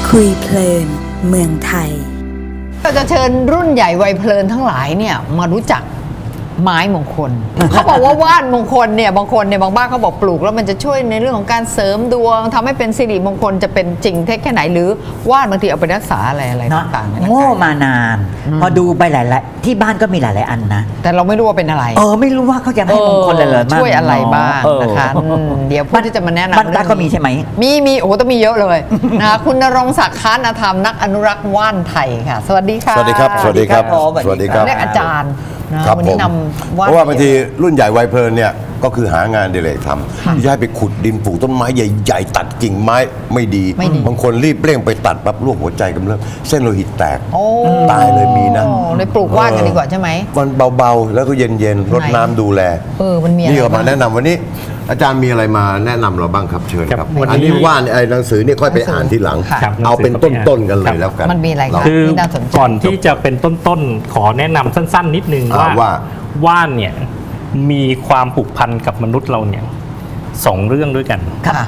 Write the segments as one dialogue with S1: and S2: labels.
S1: คุยเพลินเมืองไทย
S2: เราจะเชิญรุ่นใหญ่วัยเพลินทั้งหลายเนี่ยมารู้จักไม้มงคล เขาบอกว่าว่านมงคลเนี่ยบางคนเนี่ยบางบ้านเขาบอกปลูกแล้วมันจะช่วยในเรื่องของการเสริมดวงทำให้เป็นสิริมงคลจะเป็นจริงเท็จแค่ไหนหรือว่านบางทีเอาไปรักษาอะไรต่างๆ
S3: โง่มานานพอดูไปหลายๆที่บ้านก็มีหลายๆอันนะ
S2: แต่เราไม่รู้ว่าเป็นอะไร
S3: ไม่รู้ว่าเขาจะให้มงคลอะไรเลย
S2: ช่วยอะไรบ้างนะคะเดี๋ยวผู้ที่จะมาแนะนำ
S3: บ้านก็มีใช่ไหม
S2: มีโอ้ต้องมีเยอะเลยนะคะคุณณรงค์ศักดิ์ค้านธรรมนักอนุรักษ์ว่านไทยค่ะสวัสดีค่ะ
S4: สวัสดีครับสวัสดีครับ
S3: สวัสดีครับ
S2: เรียกอาจารย์
S4: ครับผมเพราะว่าบางทีรุ่นใหญ่วัยเพลินเนี่ยก็คือหางานเดเรกทำที่จะให้ไปขุดดินปลูกต้นไม้ใหญ่ๆตัดกิ่งไม้ไม่ดีบางคนรีบเร่งไปตัดปั๊บลวกหัวใจกำเริบเส้นโลหิตแตกตายเลยมีนะ
S2: เลยปลูกว่านกันดีกว่าใช่ไหม
S4: มันเบาๆแล้วก็เย็นๆรดน้ำดูแล
S2: มันมี
S4: นี่ก็มาแนะนำวันนี้อาจารย์มีอะไรมาแนะนำเราบ้างครับเชิญครับอันนี้ว่านไอ้หนังสือนี่ค่อยไปอ่านทีหลังเอาเป็นต้นๆกันเลยแล้วกัน
S2: มันมีอะไร
S5: คือก่อนที่จะเป็นต้นๆขอแนะนำสั้นๆนิดนึงว่าว่านเนี่ยมีความผูกพันกับมนุษย์เราเนี่ย2เรื่องด้วยกัน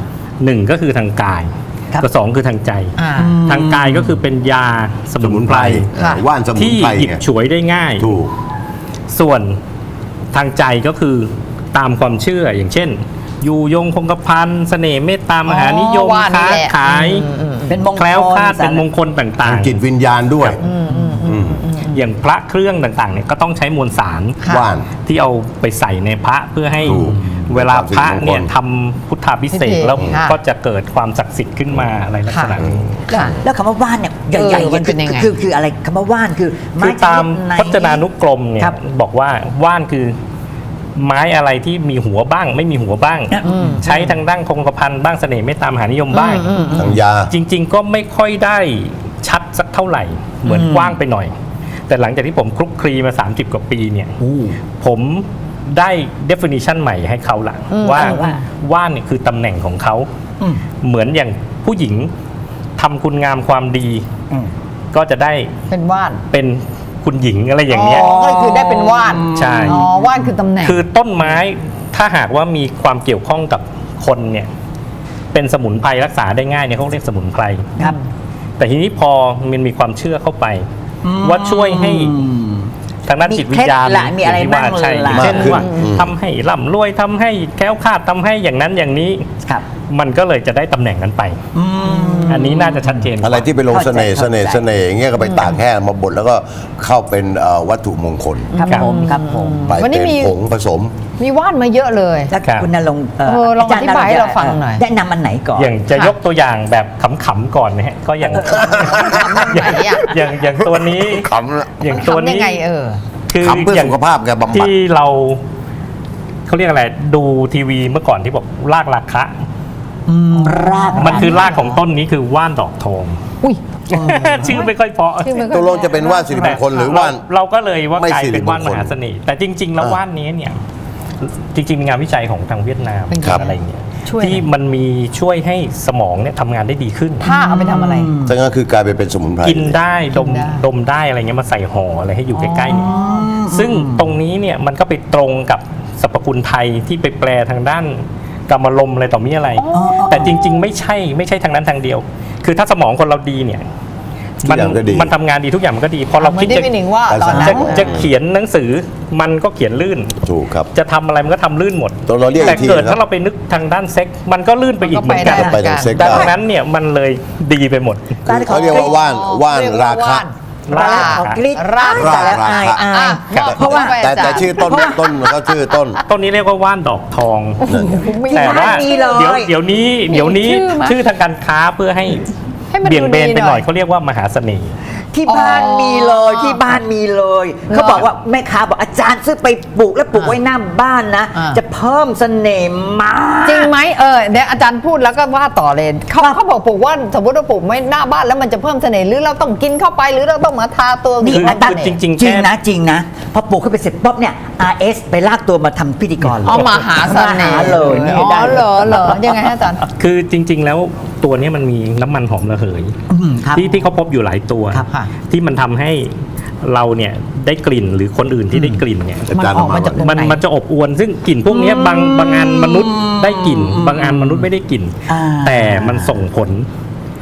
S5: 1ก็คือทางกายกับ2คือทางใจทางกายก็คือเป็นยาสมุนไพร
S4: ว่านสมุน
S5: ที่
S4: ไพร
S5: หยิบฉวยได้ง่าย
S4: ถูก
S5: ส่วนทางใจก็คือตามความเชื่ออย่างเช่นอยู่ยงคงกระพันเสน่ห์เมตตามหานิยมค้าขาย
S3: เป็นมงคล
S5: แคล้วคลาดเป็นมงคลต่าง
S4: ๆจิตวิญญาณด้วย
S5: อย่างพระเครื่องต่างๆเนี่ยก็ต้องใช้มวลสาร
S4: ว่าน
S5: ที่เอาไปใส่ในพระเพื่อให้เวลาพระเนี่ยทำพุทธาพิเศษแล้วก็จะเกิดความศักดิ์สิทธิ์ขึ้นมาอะไรลักษณะนี้
S3: แล้วคำว่าว่านเนี่ยใหญ่ๆคืออะไรคำว่าว่านคือ
S5: ตามพจนานุกรมเนี่ยบอกว่าว่านคือไม้อะไรที่มีหัวบ้างไม่มีหัวบ้างใช้ทางด้านคงกระพันบ้างเสน่ห์เมตตามหานิยมบ้าง
S4: ทางยา
S5: จริงๆก็ไม่ค่อยได้ชัดสักเท่าไหร่เหมือนกว้างไปหน่อยแต่หลังจากที่ผมคลุกคลีมา30กว่าปีเนี่ยผมได้ definition ใหม่ให้เขาละว่าว่านเนี่ยคือตำแหน่งของเขาเหมือนอย่างผู้หญิงทำคุณงามความดีก็จะได้
S2: เป็นว่าน
S5: เป็นคุณหญิงอะไรอย่างเงี้ย
S2: ก็คือได้เป็นว่าน
S5: ใช่
S2: ว่านคือตำแหน่ง
S5: คือต้นไม้ถ้าหากว่ามีความเกี่ยวข้องกับคนเนี่ยเป็นสมุนไพรรักษาได้ง่ายเนี่ยเขาเรียกสมุนไพร
S3: ครับ
S5: แต่ทีนี้พอมันมีความเชื่อเข้าไปว่าช่วยให้ทางด้านจิตวิญญาณ
S3: มีอะไรบ้าง
S5: ใช่เช่นว่าทำให้ร่ำรวยทำให้แคล้วคลาดทำให้อย่างนั้นอย่างนี้มันก็เลยจะได้ตำแหน่งนั้นไปอันนี้น่าจะชัดเจน
S4: อะไรที่ไปลงเสน่ห์อย่างเงี้ยก็ไปตากแห้งมาบดแล้วก็เข้าเป็นวัตถุมงคล
S3: ครับผม
S4: ไปเป็นผงผสม
S2: มีว่านมาเยอะเลย
S3: แล้วคุณณรงค์
S2: ลองอธิบายให้เราฟังหน่อย
S3: แนะนำอันไหนก่อน
S5: อย่างจะยกตัวอย่างแบบขำๆก่อนนะฮะก็อย่างอย่างตัวนี้อย่างตัวนี้
S4: คือขำเพื่อสุขภาพกับบำบัด
S5: ที่เราเขาเรียกอะไรดูทีวีเมื่อก่อนที่บอกรากราคะมันคือรากของต้นนี้คือว่านดอกทองชื่อไม่ค่อยเพราะ
S4: ตัวลงจะเป็นว่านสิริมงคลหรือว่าน
S5: เราก็เลยว่ากลายเป็นว่านมหาเสน่ห์แต่จริงๆแล้วว่านนี้เนี่ยจริงๆมีงานวิจัยของทางเวียดนามอะไรอย่างเงี้ยที่มันมีช่วยให้สมองเนี่ยทำงานได้ดีขึ้น
S2: ถ้าเอาไปทำอะไร
S4: ซึ่งก็คือกลายเป็นสมุนไพร
S5: กินได้ดมได้อะไรเงี้ยมาใส่ห่ออะไรให้อยู่ใกล้ๆเนี่ยซึ่งตรงนี้เนี่ยมันก็ไปตรงกับสรรพคุณไทยที่ไปแปลทางด้านกรรมลมอะไรต่อมีอะไรแต่จริงๆไม่ใช่ทางนั้นทางเดียวคือถ้าสมองคนเราดีเนี่ยมันทำงานดีทุกอย่างมันก็ดีพอเราคิดจะเขียนหนังสือมันก็เขียนลื่น
S4: ถูกครับ
S5: จะทำอะไรมันก็ทำลื่นหมดแต่เกิดถ้าเราไปนึกทางด้านเซ็กมันก็ลื่นไปอีกเหมือนกันดังนั้นเนี่ยมันเลยดีไปหมด
S4: เขาเรียกว่าว่านราคะเพราะว่าแต่ชื่อต้นเขาชื่อ
S5: ต้นนี้เรียกว่าว่านดอกทองแต่ว่าเดี๋ยวนี้ชื่อทางการค้าเพื่อให้เบี่ยงเบนไปหน่อยเขาเรียกว่ามหาเสน่ห์
S3: ที่บ้านมีเลยเขาบอกว่าแม่ค้าบอกอาจารย์ซื้อไปปลูกแล้วปลูกไว้หน้าบ้านนะจะเพิ่มเสน่ห์มาก
S2: จริงไหมเดี๋ยวอาจารย์พูดแล้วก็ว่าต่อเลยเขาบอกปลูกว่าสมมติว่าปลูกไม่หน้าบ้านแล้วมันจะเพิ่มเสน่ห์หรือเราต้องกินเข้าไปหรือเราต้องมาทาตัว
S3: นี่อาจารย์จริงนะพอปลูกขึ้นไปเสร็จป๊อบเนี่ย RS ไปลากตัวมาทำพิธีกร
S2: เลยมหาเสน่ห์เลยเหรอยังไงอาจารย์
S5: คือจริงๆแล้วตัวนี้มันมีน้ำมันหอมระเหยที่เขาพบอยู่หลายตัวที่มันทำให้เราเนี่ยได้กลิ่นหรือคนอื่นที่ได้กลิ่นเนี่ยมันจะอบอวลซึ่งกลิ่นพวกนี้บางอันมนุษย์ได้กลิ่นบางอันมนุษย์ไม่ได้กลิ่นแต่มันส่งผล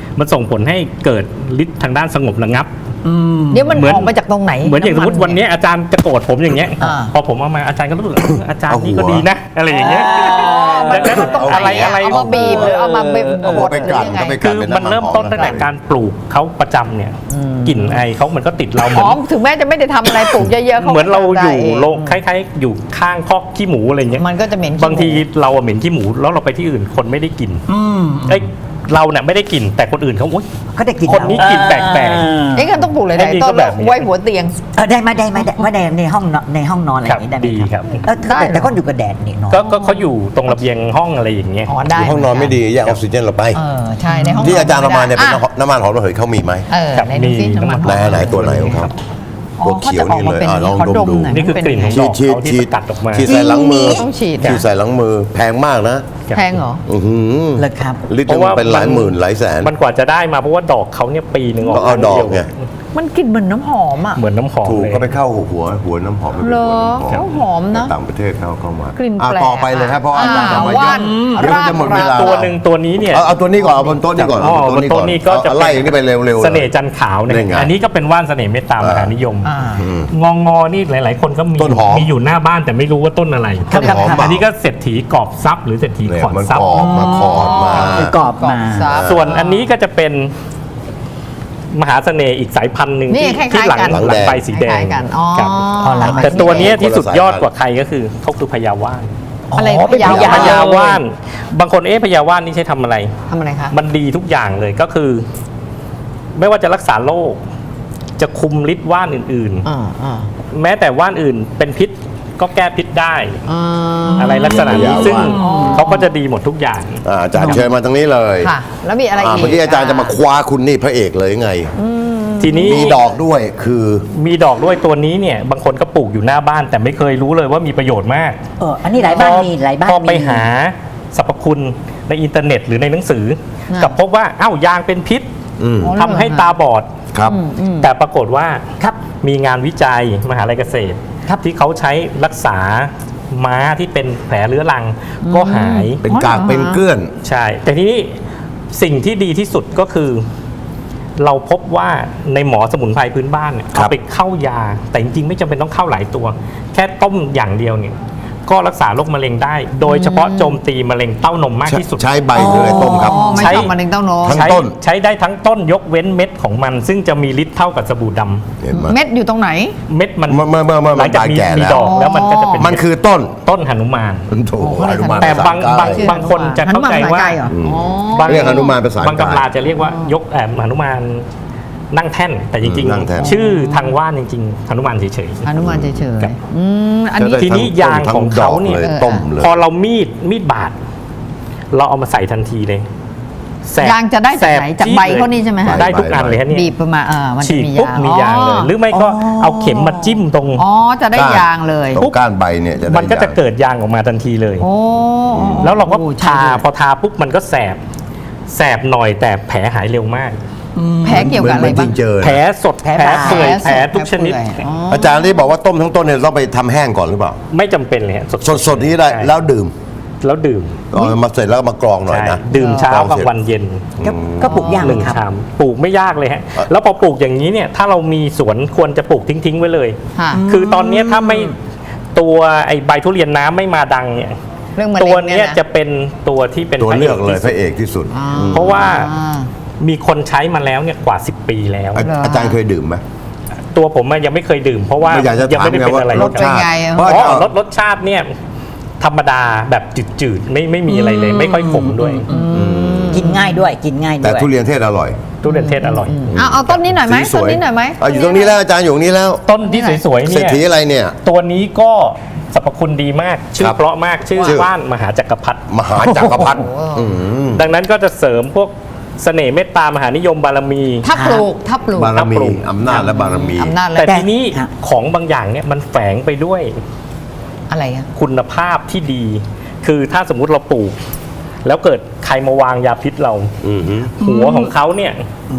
S5: มันส่งผลให้เกิดฤทธิ์ทางด้านสงบระงับ
S2: เดี๋ยวมัน
S5: เหมือน
S2: ออกมาจากตรงไหน
S5: เหมือนอย่างสมมติวันนี้อาจารย์จะโกรธผมอย่างเงี้ย
S2: อ่า
S5: พอผมเอามาอาจารย์ก็รู้สึกอาจารย์
S4: เอาหัว
S5: นี่ก็ดีนะอะไรอย่างเงี้ย
S2: มันมันต้อง
S5: อะไร
S2: อะไรเอามาบีบหรือเอามาเป็น
S4: เอาหัวไปกัดก็ไป
S5: คือมันเริ่มต้นตั้งแต่การปลูกเขาประจำเนี่ยกลิ่นไอเขามันก็ติดเราเห
S2: ห
S5: มือน
S2: อมถึงแม้จะไม่ได้ทำอะไรปลูกเยอะๆ
S5: เหมือนเราอยู่
S2: ได้
S5: โรงคล้ายๆอยู่ข้างคอกขี้หมูอะไรเงี้ย
S2: มันก็จะเหม็นขี้หมู
S5: บางทีเราอะเหม็นขี้หมูแล้วเราไปที่อื่นคนไม่ได้กลิ่นเอ้ยเราเนี่ยไม่ได้กลิ่นแต่คนอื่นเขาอุ๊ย
S3: ก็ได้กิน
S5: คนนี้กลิ่นแปลก
S2: เอ๊ะงั้นต้องปลูกหลาย
S5: ไอ้นี่
S2: ๆต้
S5: ก็
S2: น
S5: แบบนี้
S2: ไว้หัวเตียง
S3: ได้ไหมในห้องนอนอะไรอย่างนี้ได้ไหม
S5: ดีครับ
S3: แต่ก็อยู่กับแดดนี่เนาะ
S5: ก็เขาอยู่ตรงระเบียงห้องอะไรอย่างเงี้ย
S2: อ๋อได้
S4: ห้องนอนไม่ดีแยกออกซิเจนเราไป
S2: ใช่ในห้อง
S4: ที่อาจารย์เอามาเนี่ยเป็น
S2: อ่ะ
S4: น้ำมันหอมระเหยเขามีไหม
S5: ครับ
S2: ไหนดูซิ
S5: มี
S2: น้ำมัน
S5: น้ำมัน
S4: ไหนตัวไหนของเขา
S2: อ๋อ
S4: ตัวเขียวนี่เลย
S2: ขาจะออกมาเป็น
S4: ลองดมดู
S2: หน่อย
S5: นี่คือกลิ่นของ
S4: ฉีด
S5: ที่สกัดออกมา
S4: ฉีดใส่หลังมือ
S2: ต้องฉีด
S4: ฉีดใส่หลังมือแพงมากนะ
S2: แพงเหรอ
S4: อื้อหือ
S3: เลยครับ
S4: ลิตรหนึงมันเป็นหลายหมื่นหลายแสน
S5: มันกว่าจะได้มาเพราะว่าดอกเขาเนี่ยปีหนึ่งออก
S4: ต้องเอาดอกไง
S2: มันกลิ่นเหมือนน้ำหอมอ่ะ
S5: เหมือนน้ำหอม
S4: ถูก
S5: เลย
S4: ก็ไปเข้าหัวน้ำหอมไปเป็น
S2: เหรอ
S4: หัวน้ำหอม
S2: หอมนะ
S4: ต่างประเทศเขาเข้ามาก
S2: ลิ่น
S4: อ่ะ
S2: แปลก
S4: ต่อไปเลยครับเพราะอาจารย์เอามาเย
S2: ว่า
S4: อะ
S2: น
S4: เดี๋ยวมันจะหมดเวลา
S5: ตัวหนึ่งตัวนี้เนี่ย
S4: เอาตัวนี้ก่อนเอาบนโต๊ะนี้ก่อน
S5: อ๋อบนโต๊ะนี้ก็จะ
S4: เอาไล่อย่างนี้ไปเร็วๆเลย
S5: เสน่ห์จันทร์ขาวเนี่ย
S4: นี่ไง
S5: อันนี้ก็เป็นว่านเสน่ห์เมตตามหานิยม
S2: อ่า
S5: งอนี่หลาย ๆ คนก็มี
S4: ต้นหอม
S5: มีอยู่หน้าบ้านแต่ไม่รู้ว่าต้นอะไร
S4: ต้นหอม
S5: อันนี้ก็เศรษฐีกอบทรัพย์หรือเศรษฐี
S4: เนี่ย
S5: ขอน
S4: มัน
S5: ทรัพ
S4: ก
S5: ย์
S4: รอบมาขอดมา
S3: คือกรอบมา
S2: ซับ
S5: ส่วนอันนี้ก็จะเป็นมหาเสน่ห์อีกสายพันธุ์หนึ่ง
S2: นี่
S5: ที่
S2: คล้ายๆ
S5: ที่หลัง
S2: กัน
S5: หลังใบสีแด
S2: คล้าง ยๆกันอ๋อ
S5: ครับ
S3: อ๋อหลังใบ
S5: แต่ตัวเนี้ยที่
S4: คนละ
S5: สุดยอด
S4: สายพันธุ์
S5: กว่าใครก็คือเขาคือพญาว่าน
S2: อะไร
S3: อ๋อเป็น
S2: พญา
S3: พญา
S2: ว่าน
S5: พญาว่านบางคนพญาว่านนี่ใช้ทำอะไร
S2: ทำอะไรคะ
S5: มันดีทุกอย่างเลยก็คือ ไม่ว่าจะรักษาโรคจะคุมฤทธิ์ว่านอื่น
S2: อ่า
S5: ๆ แม้แต่ว่านอื่นเป็นพิษก็แก้พิษได้ อะไรลักษณะนี้
S4: พญาว่าน
S5: ซึ่งเขาก็จะดีหมดทุกอย่าง
S4: อาจารย์เชิญมาตรงนี้เลย
S2: ค่ะ แล้วมีอะไรอีก
S4: เมื่อกี้อาจารย์จะมาคว้าคุณนี่พระเอกเลยไง
S5: ทีนี้
S4: มีดอกด้วยคือ
S5: มีดอกด้วยตัวนี้เนี่ย บางคนก็ปลูกอยู่หน้าบ้าน แต่ไม่เคยรู้เลยว่ามีประโยชน์มาก
S3: อันนี้หลายบ้านมีหลายบ้าน
S5: พอไป
S3: มี
S5: หาสรรพคุณในอินเทอร์เน็ตหรือในหนังสือ
S2: น่ะ
S5: กลับพบว่าอ้าวยางเป็นพิษ
S4: อืม
S5: ทำให้ตาบอด
S4: ครับ
S5: แต่ปรากฏว่า
S3: ครับ
S5: มีงานวิจัยมหาลัยเกษตร
S3: ครับ
S5: ที่เขาใช้รักษาม้าที่เป็นแผลเรื้อรังก็หาย
S4: เป็นกากเป็นเกลื่อน
S5: ใช่ แต่ทีนี้สิ่งที่ดีที่สุดก็คือ เราพบว่าในหมอสมุนไพรพื้นบ้านเนี่ย
S4: ครับ
S5: เอาไปเข้ายา แต่จริงๆไม่จำเป็นต้องเข้าหลายตัว แค่ต้มอย่างเดียวเนี่ยก็รักษาโรคมะเร็งได้ โดยเฉพาะโจมตีมะเร็งเต้านมมากที่สุด
S4: ใช้ใบหรืออะไรต้มครับ
S2: อ๋อไม่
S5: ใช้
S2: ต้องมะเร็งเต้านม
S4: ทั้ง
S5: ใช้
S4: ต้น
S5: ใช้ได้ทั้งต้นยกเว้นเม็ดของมัน ซึ่งจะมีฤทธิ์เท่ากับสบู่ดำ
S4: เห็นไหม
S2: เม็ดอยู่ตรงไหน
S5: เม็ดมัน
S4: เมื่อ
S5: หลังจาก
S4: ตาย
S5: มี
S4: แก่
S5: มี
S4: แล้ว
S5: ดอกแล้วมันก็จะเป็น
S4: มันคือต้น
S5: ต้นหนุมาน
S4: โถอนุมาน
S5: แต่บาง
S4: ภษ
S5: บาง
S4: ใต้
S5: บางคนจะเข้าใจว่า
S2: หนุมนภษใต้เหรออ๋อ
S5: บาง
S4: เรียกหนุมานภาษา
S5: บาง
S4: ใต้
S5: ตำราจะเรียกว่ายกหนุมานนั่งแท่น แต่จริง
S4: นั่งแท่น
S5: ๆ ชื่อทางว่านจริงๆหนุมานเฉย
S2: อนุมานเฉย
S5: ครับ
S2: ๆอันนี้
S4: จะได้
S5: ทีนี้
S4: ทั้
S5: ยางของเขาเนี่ย
S4: ทั้งดอกเลยต้มเลย
S5: พอเรามีดบาด เราเอามาใส่ทันทีเลยแสบ
S2: ยางจะได้จากไหน
S5: แสบ
S2: จากใบ
S5: จี๊ดลย
S2: เขานี่ใช่ไหมฮะ
S5: ได้ทุกอันเลยฮะเนี่ย
S2: บีบประมาณมันจะ
S5: ฉีด
S2: มี
S5: ปุ๊บ
S2: ยาง
S5: มียางเลย หรือไม่ก็เอาเข็มมาจิ้มตรง
S2: อ๋อจะได้ยางเลย
S4: ตรงก้านใบเนี่ยจะได้
S5: มันก็จะ
S4: ยาง
S5: เกิดยางออกมาทันทีเลย
S2: โอ้
S5: แล้วเราก็
S2: โอ้
S5: ทา
S2: ใช่
S5: พอทาปุ๊บมันก็แสบหน่อยแต่แผลหายเร็วมาก
S2: แผลเกี่ยวกับอะไร
S4: เหมื
S2: บ้าง
S4: นเจอ
S5: แผลสด
S3: แผล
S5: แผล
S3: บาด
S5: เปื่อย
S2: แผ
S5: แผ
S2: ล
S5: ล
S2: สด
S5: ทุกชนิด
S2: แผลเปื่อยอ๋อ
S4: อาจารย์ที่บอกว่าต้มทั้งต้นเนี่ยต้องไปทำแห้งก่อนหรือเปล่า
S5: ไม่จำเป็นเลยฮะ
S4: สดๆนี้ได้
S5: ใช่
S4: แล้วดื่ม
S5: แล้วดื่ม
S4: เอามาเสร็จแล้วก็มากรองหน่อย
S5: ใช่
S4: นะ
S5: ดื่มเช้า
S4: ลอง
S5: กับ
S4: เสร็จ
S5: วันเย็น
S3: ก็ปลูกยาง
S5: ห
S3: เล
S5: นึ่
S3: ย
S5: ง
S3: ครับ
S5: ชามปลูกไม่ยากเลยฮะแล้วพอปลูกอย่างนี้เนี่ยถ้าเรามีสวนควรจะปลูกทิ้งๆไว้เลย
S2: ค่ะ
S5: คือตอนนี้ถ้าไม่ตัวไอ้ใบทุเรียนน้ำไม่มาดังเนี่ย
S2: เรื่องมะเร็ง
S5: ตัวเนี้ย
S2: นะ
S5: จะเป็นตัวที่เป็น
S4: ตัว
S5: พระ
S4: เลือกเลย
S5: ที่
S4: พ
S5: สุ
S4: ระ
S5: ด
S4: เอกที่สุด
S5: เพราะว่ามีคนใช้มาแล้วเนี่ยกว่า 10 ปีแล้ว
S4: อาจารย์เคยดื่มไหม
S5: ตัวผมอะยังไม่เคยดื่ม เพราะว่า
S4: ไม่อยากจะ
S5: ยัง
S4: ถาม
S5: ไม่ได้
S4: ไง
S5: เป็น
S4: ว่า
S5: อะไร
S4: รสชาติ
S2: เป็นไงอะ
S4: เพราะ
S5: อ๋
S4: อาจารย์
S5: อรสชาติเนี่ยธรรมดาแบบจืดๆไม่มีอะไรเลย ไม่ค่อยขมด้วย
S3: กินง่ายด้วยกินง่ายด้วย
S4: แต่ทุเรียนเทศอร่อย
S5: ทุเรียนเทศอร่อย
S2: เอาต้นนี้หน่อยไหม
S4: สีส
S2: ต้น
S4: วย
S2: นี้หน่อยไหม
S4: อยู่ตรงนี้แล้วอาจารย์อยู่ตรงนี้แล้ว
S5: ต้นที่สวยๆ
S4: เศรษ
S5: เนี่ย
S4: ฐีอะไรเนี่ย
S5: ตัวนี้ก็สรรพคุณดีมาก ชื่
S4: ค
S5: อ
S4: รับ
S5: เพราะมากชื่อ
S4: ชื่อ
S5: ว่านมหาจักรพรรดิ
S4: มหาจักรพรรดิม
S5: ดังนั้นก็จะเสริมพวกเสน่ห์เมตตามหานิยมบารมี
S2: ถ้าปลูก
S4: บารมี
S5: ปลูก
S4: อำนาจและบารมี
S2: อำนาจและ
S5: แต่ทีนี้
S3: ครับ
S5: ของบางอย่างเนี่ยมันแฝงไปด้วย
S2: อะไรอะ
S5: คุณภาพที่ดี คือถ้าสมมุติเราปลูก แล้วเกิดใครมาวางยาพิษเรา
S4: อือฮึ
S5: หัวของเขาเนี่ย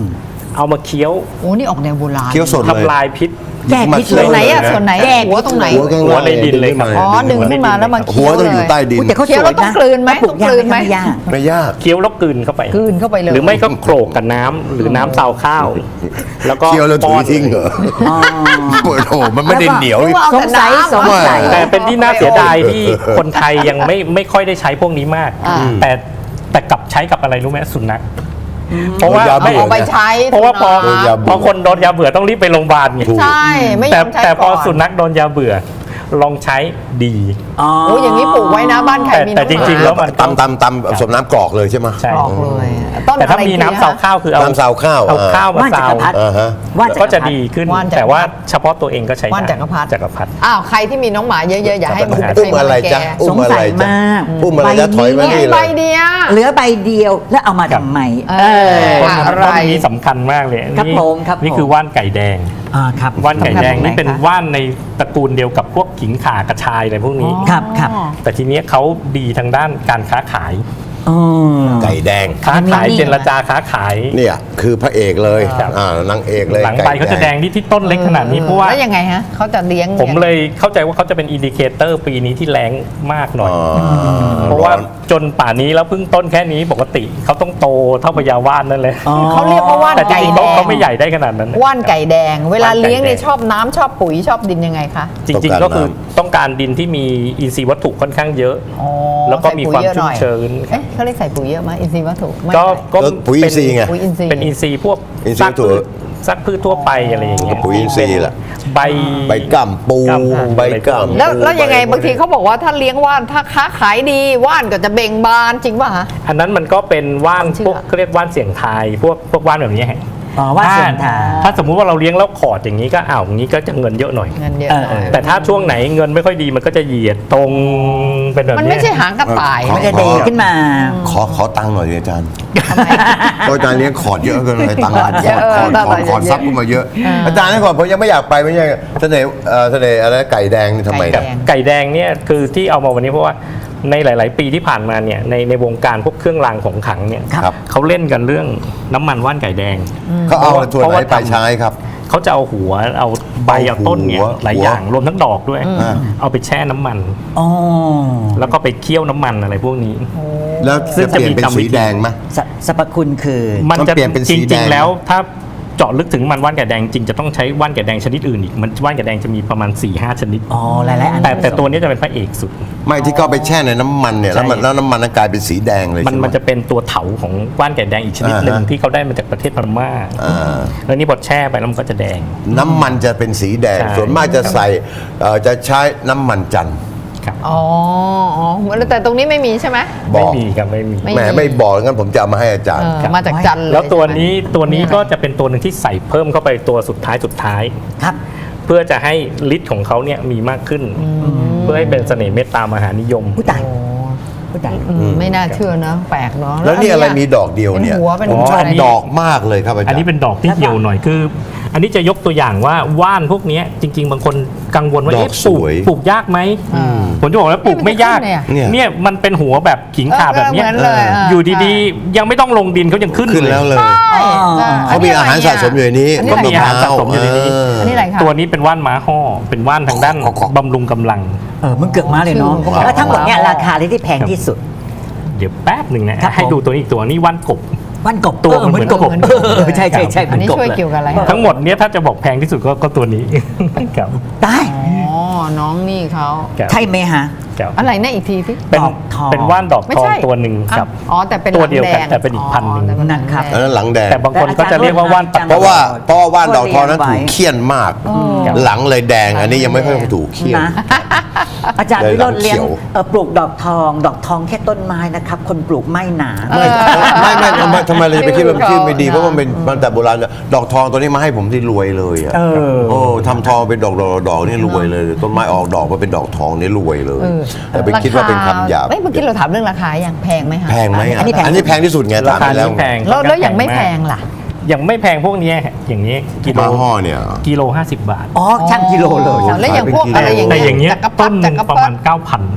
S5: เอามาเคี้ยว
S2: โอ้นี่ออกแนวโบราณ
S4: เคี้ยวสดเลย
S5: ทำลายพิษ
S3: แก้พิษ
S2: ส่วนไหนอะส่วนไหน
S3: แก้
S2: หัวตรงไหน
S4: หัวข้าง
S5: หัว
S4: ล่าง
S5: ในดินเลยครับ
S2: อ๋อดึงขึ้นมาแล้วมา
S4: หั
S2: เคี้
S4: ว
S2: ยว
S4: ต้อง
S2: เล
S4: อยู่
S2: ย
S4: ใต้ดิน
S3: อุ๊ยแต่เขา
S2: เคี้ยวแล้วต้องกลืนไหม
S3: ปลู
S2: ต้อง
S3: ยาก
S2: ลืนไหม
S3: ไม่ยาก
S4: ไม่ยาก
S5: เคี้ยวแล้วกลืนเข้าไป
S2: กลืนเข้าไปเลย
S5: หรือไม่ก็โขลกกับน้ำหรือน้ำซาวข้าว แล้วก็
S4: เคี้ยวแล้วถุ
S5: ป้
S4: ย
S5: อน
S4: ทิ้งเหรอ
S3: อ๋อ
S4: โอ้โหมันไม่ได้เหนียว
S2: เอา
S3: ส
S2: แต่
S3: งสัย
S2: น้ำ
S3: สงสัย
S5: แต่เป็นที่น่าเสียดายที่คนไทยยังไม่ค่อยได้ใช้พวกนี้มาก
S2: อ่า
S5: แต่กลับใช้กับอะไรรู้ไหมสุนัขเพราะว่า
S4: ยา
S2: เอา
S4: เบื่
S2: ออกไปใช้
S5: เพราะว่าพอ
S2: สุนัข
S5: พอคนโดนยาเบื่อต้องรีบไปโรงพยาบาลไง
S4: ถูก
S2: ใช่ไม่ย
S5: แต่
S2: อมใช้
S5: แต่พอ
S2: ก่อน
S5: สุนัขโดนยาเบื่อลองใช้ดี
S3: อ๋อ
S2: โอ้อย่างนี้ปลูกไว้นะบ้านใครมี
S5: แต่จริงๆแล้ว
S4: ตำสมน้ำกรอกเลยใช่ไหม
S5: ใช่
S2: ออกเลยต้น
S5: แต่ถ้า
S2: อะไร
S5: มีน้ำซาวข้าวคือเอา
S4: น้ำซาวข้าว
S5: เอาข้าวมา
S3: ว่านจั
S5: ซาก ว
S3: รพรรดิ
S4: อ่าฮะ
S3: ว่านจักรพรรดิ
S5: ก็จะดีขึ้น
S2: ว่านจักรพรรดิ
S5: แต่ว่าเฉพาะตัวเองก็ใช้ได้
S2: ว่านจักรพรรดิ
S5: จักรพรรดิ
S2: อ้าวใครที่มีน้องหมาเยอะๆอย่าให้มัน
S4: อุ้มอะไรจ๊ะ
S2: แก่
S4: อุ้
S3: ส
S4: ม
S3: ง
S4: อะไร
S3: สัย
S4: จ๊ะ
S3: มาก
S4: อุ้มอะไรจ๊ะถอยมา
S2: เนี่ย
S4: นี่เล
S2: ใบ
S4: ย
S2: เดียว
S3: เหลือใบเดียวแล้วเอามาทำไม
S2: เออ
S5: ต้น
S2: อะไร
S5: ต้นนี้สำคัญมากเลย
S3: ครับ
S5: นี่
S3: ผมครับ
S5: นี่
S3: ผม
S5: คือว่านไก่แดง
S3: ครับ
S5: ว่านไก่แดง
S2: ทำแบบไหน
S5: นี่เป็น
S2: คะ
S5: ว่านในตระกูลเดียวกับพวกขิงข่ากระชายอะไรพวกนี้
S3: ครับครับ
S5: แต่ทีเนี้ยเขาดีทางด้านการค้าขาย
S3: อ๋อ
S4: ไก่แดง
S5: ค้าขาย
S3: อันนี้
S5: เจรจาค้าขาย
S4: เนี่ยคือพระเอกเลย
S5: ครับ
S4: นางเอกเลย
S5: หลังใบเขาจะแดงที่ต้นเล็กขนาดนี้เพราะว่า
S2: แล้วยังไงฮะเขาจะเลี้ยง
S5: ผมเลยเข้าใจว่าเขาจะเป็นอินดิเคเตอร์ปีนี้ที่แรงมากหน่อย
S4: อ๋อ
S5: เพราะว่าจนป่านนี้แล้วเพิ่งต้นแค่นี้ปกติเขาต้องโตเท่าพญาว่านนั่นเลย
S3: อ๋อ
S2: เขาเรียกว่าว่าน
S5: แต่จ
S2: ไก่
S5: ริงๆ
S2: แด
S5: เขา
S2: ง
S5: ไม่ใหญ่ได้ขนาดนั้น
S2: ว่านไก่แดง เวลา
S5: ว่านไก่
S2: เลี้ยงเนี่ย
S5: แดง
S2: ชอบน้ำชอบปุ๋ยชอบดินยังไงคะ
S5: จริงๆก็คือต้องการดินที่มีอินทรีย์วัตถุค่อนข้างเยอะ
S2: อ๋อ
S5: แล้วก็มีความ
S2: ใส่ปุ๋ยเยอะหน่อย
S5: ชุ่มชื้น
S2: เอ๊ะเขาเรียกใส่ปุ๋ยเยอะไหมอินทรีย์วัตถุไม่
S5: ก็
S2: ใส่
S5: ก็
S4: ปุ๋ยอินทรีย์ไง
S2: ปุ๋ยอินทรีย์
S5: เป็นอินทรีย์พวก
S4: อินทรีย์วัตถุ
S5: ซักพืชทั่วไปอะไรอย่างเงี้ย
S4: ปุ๋ยอินทรีย์แหละ
S5: ใบ
S4: ใบก่ำปู
S5: กำ
S4: ใบก่ำ
S2: แล้วยังไงบางทีเขาบอกว่าถ้าเลี้ยงว่านถ้าค้าขายดีว่านก็จะเบ่งบานจริงป่ะฮะ
S5: อันนั้นมันก็เป็นว่าน
S2: ความเชื่อ
S5: พวกเขาเรียกว่านเสียงทายพวกว่านแบบนี้ฮะ
S3: อ๋อว่านเสียงทาย
S5: ถ้าสมมุติว่าเราเลี้ยงแล้วขอดอย่างนี้ก็อย่างนี้ก็จะเงินเยอะหน่อย
S2: เงินเยอะหน่อย
S5: แต่ถ้าช่วงไหนเงินไม่ค่อยดีมันก็จะเหยียดตรงเป็นแบบ
S2: มัน
S5: นี้
S2: ไม่ใช่หางกระต่าย
S4: ขอ
S3: มันจะเดขึ้นมา
S4: ขอตังค์หน่อยดิอาจารย์
S2: ทำไม
S4: ก็อาจารย์เลี้ยงขอดเยอะเกินเลยตังค์
S2: ขอดเยอะ
S4: ขอดซับขึ้นมาเยอะ อาจารย์นี่ก่อนผมยังไม่อยากไปไม่ใช่เสน่ห์อะไรไก่แดงนี่ทำไม
S2: ไก่
S4: นะ
S2: แดง
S5: ไก่แดงเนี่ยคือที่เอามาวันนี้เพราะว่าในหลาย ๆ ปีที่ผ่านมาเนี่ยในวงการพวกเครื่องรางของขลังเนี่ย
S4: ครับ
S5: เขาเล่นกันเรื่องน้ำมันว่านไก่แดง
S4: เขาเอาส่วนไหนไปใช้ครับ
S5: เขาจะเอาหัวเอาใบเอาต้นเนี่ย
S4: หัว
S5: หลายอย่างรวมทั้งดอกด้วย เอาไปแช่น้ำมัน
S3: อ๋อ
S5: แล้วก็ไปเคี่ยวน้ำมันอะไรพวกนี้
S4: แล้ว
S5: ซึ่
S4: จะ
S5: ง
S4: เปลี่ยนเป็น
S5: จะมีกรรมวิ
S4: สี
S5: ธี
S4: แดงไหม
S3: สรรพคุณคือ
S5: มันจะ
S4: มันเปลี่ยนเป็นสี
S5: จ
S4: แด
S5: ริง
S4: ง
S5: ๆแล้วถ้าเจาะลึกถึงมันว่านไก่แดงจริงจะต้องใช้ว่านไก่แดงชนิดอื่นอีกมันว่านไก่แดงจะมีประมาณ 4-5 ชนิด
S3: อ๋อหลายๆอัน
S5: แต่ตัวนี้จะเป็นพระเอกสุด
S4: ไม่ที่เขาไปแช่ในน้ำมันเนี่ยแล้ว
S5: ใช่
S4: น้ำมันนั้นกลายเป็นสีแดงเลย
S5: มัน
S4: ใช่ไหม
S5: มันจะเป็นตัวเถาของว่านไก่แดงอีกชนิดหนึ่ง
S4: อ่าฮะ
S5: ที่เขาได้มาจากประเทศพม่า
S4: อ่า
S5: แล้วนี่พอแช่ไปแล้วมันก็จะแดง
S4: น้ำมันจะเป็นสีแดง
S5: ใช่
S4: ส่วนมากจะใส่จะใช้น้ำมันจันทร์
S5: ครับ
S2: อ๋อแต่ตรงนี้ไม่มีใช่ไหม
S4: บ
S5: ไม่
S4: อก
S5: มีครับไม่มี
S2: ไม่
S4: แหมไม่บอกงั้นผมจะเอามาให้อาจารย์
S2: มาจากจันทร์เลย
S5: แล้วตัว
S2: ใช่ไหม
S5: นี้ก็จะเป็นตัวหนึ่งที่ใส่เพิ่มเข้าไปตัวสุดท้าย
S3: ครับ
S5: เพื่อจะให้ฤทธิ์ของเขาเนี่ยมีมากขึ้น เพื่อให้เป็นเสน่ห์เมตตามหานิยม
S3: ผู้ตายผู้ตาย
S2: ไม่น่าเชื่อนะแปลกเนาะ
S4: แล้วนี่อะไรมีดอกเดียวเนี่ย
S2: เป็นหัวเป็น
S4: ผมชอบ
S2: อะไร
S4: ดอกมากเลยครับอาจารย์
S5: อันนี้เป็นดอกที่เหี่ยวหน่อยคือ อันนี้จะยกตัวอย่างว่าว่านพวกเนี้ยจริง ๆ บางคนกังวลว่า
S4: ดอก
S5: เอ๊ะ
S4: สวย
S5: ปลูกยากไหมผมจะบอกแล้วปลูกไม่ยาก
S4: เนี่ย
S5: เนี่ยมันเป็นหัวแบบขิงข่าแบบเนี้ย
S2: เหมือนเลย
S5: อยู่ดีๆ ยังไม่ต้องลงดินเขายังขึ้น
S4: ขึ้นแล้วเลย
S2: ใช่ใช่
S4: เขามีอาหารสะสมอยู่ในนี้
S2: อันนี้
S5: ก็
S2: อะไร
S5: มีอาหารสะสมอยู่ในนี้
S2: อันนี้อะไรคะ
S5: ตัวนี้เป็นว่านม้าห่อเป็นว่านทางด้านบำรุงกำลัง
S3: มันเกือกมาเลยเนาะ
S2: ชื่อมันก็
S3: แล้วทั้งหมดเนี่ยราคาที่แพงที่สุด
S5: เดี๋ยวแป๊บหนึ่งนะครับ ให้
S3: ผม
S5: ดูตัวนี้อีกตัวนี้ว่านกบ
S3: ว่านกบ
S5: ตัวมันเหมือนกบ
S3: ใช่ใช่ใช่เหมื
S2: อั
S3: อน น
S2: นี้
S3: กบ
S2: ช่วย
S3: เลย
S2: เกี่ยวกับอะไร
S5: ทั้งหมดเนี้ยถ้าจะบอกแพงที่สุดก็ตัวนี้ ครับ
S3: ตาย
S2: อ๋อน้องนี่เขา
S5: ครับ
S3: ใช่ไหมฮะ
S5: ครับ
S2: อะไรนะอีกทีที่
S5: เป็น
S3: ดอกทอง
S5: เป็นว่านดอก
S2: ไม่
S5: ทอง
S2: ใช่
S5: ตัวหนึ่งครับ
S2: อ๋อแต่เป็น
S5: ตัวเดียวกัน
S2: หลัง
S5: แต่เป็นอีกพันหนึ่ง
S2: อ๋อแต่เป็
S3: นั่นครับ
S2: ห
S4: อั
S2: ลังแดง
S4: นนั้นหลังแดง
S5: แต่บางคนก็จะเรียกว่าว่านปัด
S4: เพราะว่าว่านดอกทองนั้น
S3: ไว้
S4: ถูกเคี่ยนมาก
S5: ครับ
S4: หลังเลยแดง อันนี้ยังไม่ค่อยถูกเคี่ยน
S3: นะ อาจารย์
S4: เลย
S3: วิโรจน์เลี้ยง
S4: หลังเขียว
S3: ปลูกดอกทองแค่ต้นไม้นะครับ คนปลูกไม่หนา
S4: ไม่ทำไมเราจะไปคิดว่ามันชื่อไม่ดีเพราะว่ามันเป็นมันแต่โบราณเนี่ยดอกทองตัวนี้มาให้ผมที่รวยเลยอ่ะ
S3: เออ
S4: โอ้ทำทองเป็นดอกนี่รวยเลยต้นไม้ออกดอกมาเป็นดอกทองนี่รวยเลย แต่ไปคิดว่าเป็นคำหยาบ
S2: เมื่อกี้เราถามเรื่องราคาอย่างแพงไหมคะ
S4: แพงไหม
S3: อันนี้แพง
S4: อันนี้แพงที่สุดไง
S5: รา
S4: ถาม
S5: คา
S4: ไปแล้ว
S5: นี้แพง
S2: แล้วอย่างไม่แพงล่ะ
S5: อย่างไม่แพงพวกเนี้ยอย่างนี้กิโล
S4: มาห่อเนี่ย
S5: กิโล50 บาท
S3: อ๋อช่างกิโลเลย
S2: แล้วอย่างพวกอะไรอย่าง
S5: แต่
S2: เงี้ย
S5: อย่างเงี้ย
S2: จักรพร
S5: ต้
S2: ร
S5: น
S2: ดิ
S5: หนึ่ง
S2: จักร
S5: ประ
S2: พร
S5: มาร ณ
S2: ดิ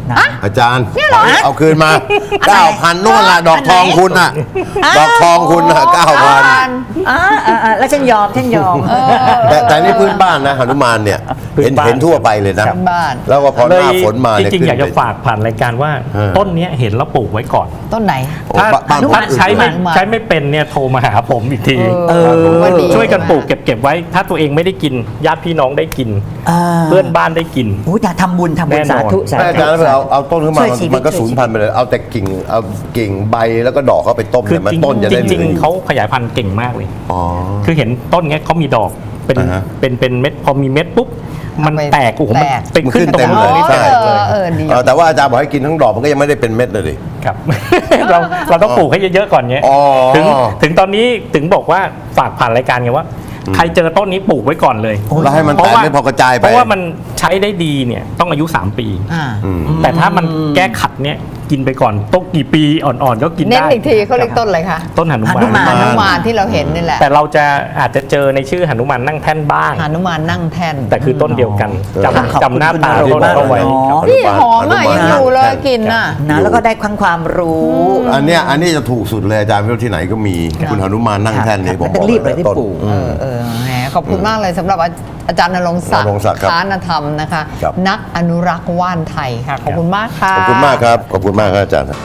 S4: อาจารย์เอาคืนมา 9,000นู่นละดอกทองคุณน่ะดอกทองคุณน่ะ 9,000
S3: แล้วฉันยอม
S4: แต่นี่พื้นบ้านนะหนุมานเนี่ย
S5: พื้นบ้าน
S4: เห็นทั่วไปเลยนะ
S2: พื้นบ้าน
S4: แล้วก็พอหน้าฝนมา
S5: จ
S4: เนี่ย
S5: ริงๆอยากจะ
S4: ขึ้นไป
S5: ฝากผ่านรายการว่า ต้นเนี้ยเห็นแล้วปลูกไว้ก่อน
S2: ต้นไหน
S4: โอ้
S5: ถ้า
S4: บ้านผม
S5: ถ้าใช้ไม่
S2: หนุมาน
S5: ใช้ไม่เป็นเนี่ยโทรมาหาผมอีกที
S2: ก็ดี
S5: ช่วยกันปลูกเก็บไว้ ถ้าตัวเองไม่ได้กินญาติพี่น้องได้กิน เพื่อนบ้านได้กิน
S3: โอ้ยอย่าทำบุญ
S5: แน่นอน
S3: สาธุสา
S4: แม่อา
S3: ธุ
S4: จารย์แล้วเอาต้นขึ้นมา
S3: ช่วยชีวิต
S4: มันก็สูญพันธุ์ไปเลยเอาแต่กิ่งใบแล้วก็ดอกเขาไปต้ม
S5: คือ
S4: เนี่ยมันต้นจะได้
S5: จริง
S4: หลือ
S5: ๆเขาขยายพันธุ์เก่งมากเลย
S4: อ๋อ
S5: คือเห็นต้นเนี้ยเขามีดอกเป็น
S4: อ่าฮะ
S5: เป็นเม็ดพอมีเม็ดปุ๊บมัน
S2: เอาไป
S5: แตกโอ้โหมัน
S2: แตก
S5: เป็นขึ้นตรง
S4: เต็ม
S5: นู้น
S4: เลย
S5: นี่
S4: ใช่
S2: ดี
S4: แต่ว่าอาจารย์บอกให้กินทั้งดอกมันก็ยังไม่ได้เป็นเม็ดเลยดิ
S5: ครับ เราต้องปลูกให้เยอะๆก่อนเนี้ย
S4: อ๋อ
S5: ถึงตอนนี้ถึงบอกว่าฝากผ่านรายการไงว่า ใครเจอต้นนี้ปลูกไว้ก่อนเลย
S4: แล้วให้มันแตกไม่พอกระจายไป
S5: เพราะว่ามันใช้ได้ดีเนี่ยต้องอายุ 3 ปี แต่ถ้ามันแก้ขัดเนี่ยกินไปก่อนต้องกี่ปีอ่อนๆก็กิน
S2: เน้น
S5: ได้
S2: อีกทีเขาเรียกต้นอะไรคะ
S5: ต้นหนุ
S3: หนุมาน
S2: หนุมานที่เราเห็นนี่แหละ
S5: แต่เราจะอาจจะเจอในชื่อหนุมานนั่งแท่นบ้าง
S2: หนุมานนั่งแท่น
S5: แต่คือต้นเดียวกัน
S3: ขอบคุณ
S5: จำหน้าตา
S3: คุณ
S5: ต้นเอาไว้
S3: หนุมาน
S5: ครับ
S2: นี่หอมอ่ะยังอยู่เลยกลินอ่ะ
S3: นะแล้วก็ได้ความรู้
S4: อันเนี้ยจะถูกสุดเลยอาจารย์ไม่รู้ที่ไหนก็มีคุณหนุมานนั่งแท่นนี่ผมบอก
S3: รีบเลยที่
S4: ต้น
S3: ปลูก
S2: แหมขอบคุณมากเลยสำหรับอาจารย์ณรงค์ศัก
S4: ณรงค์ศักดิ์
S2: ดิ์
S4: ครับ
S2: ค้านธรรมนะคะ
S4: ครับ
S2: นักอนุรักษ์ว่านไทยค่ะ ขอบคุณมากค่ะ
S4: ขอบคุณมากครับขอบคุณมากครับอาจารย์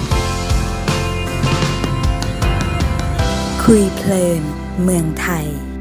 S1: คุยเพลินเมืองไทย